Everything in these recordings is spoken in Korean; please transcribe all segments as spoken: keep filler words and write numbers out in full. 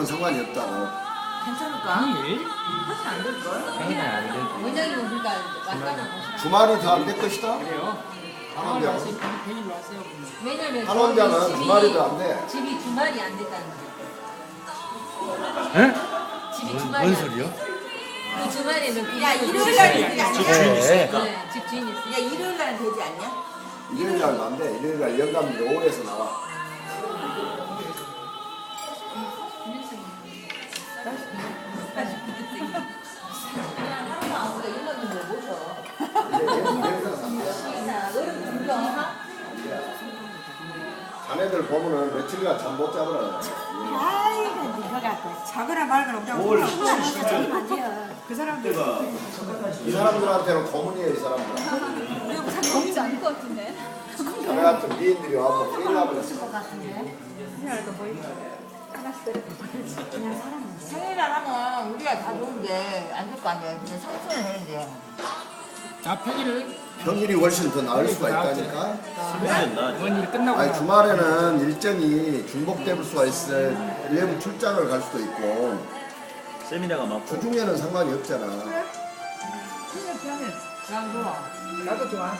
상관이 없다고. 괜찮을까? 평일? 사실 안 될걸? 평일은 안 돼. 원장님은 그러니까 왔다는 곳이라. 주말이 더 안 될 것이다. 그래요? 한 평일 원장. 왔어요. 평일로 왔어요. 왜냐면 한 원장은 저희 집이- 주말이 더 안 돼. 집이 주말이 안 됐다는 거야. 에? 집이 뭔, 주말이 뭔 안 소리요? 돼. 그 주말에는 그 야, 집이 일요일 주말이 날 안 되지 돼. 않냐? 집 주인 있으니까. 네, 집 주인 있어. 야, 일요일 날은 되지 않냐? 일요일 날도 안 돼. 일요일 날 영감이 오후에서 나와. 아무도 일반인들 모셔. 이제 여기서 산대. 너는 불경. 자네들 보면은 며칠간 잠 못 자버려. 아이고, 니가 갖고 자거나 말거나 없다고 뭘 생각하면 안 돼요. 그 사람들 이 사람들한테는 고문이에요, 이 사람들. 먹지 않을 것 같은데. 자네 같은 미인들이 와서 큰일 나버렸어. 생일날 하면 우리가 다 좋은데 안 될 거 아니야. 근데 성수는 해야지. 자, 평일을 평일이 훨씬 더 나을 수가 있다니까. 뭔 일 끝나고 아니 나서 주말에는 일정이 중복될 수가 있어. 외부 출장을 갈 수도 있고. 세미나가 많고 주중에는 상관이 없잖아. 난 좋아. 나도 좋아.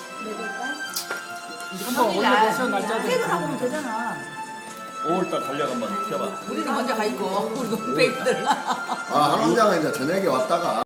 한번 올려보세요. 날짜를. 퇴근하면 되잖아. 오월달 달력 한번 펴봐. 우리는 먼저 가 있고 우리 동백들. 아, 한 원장은 이제 저녁에 왔다가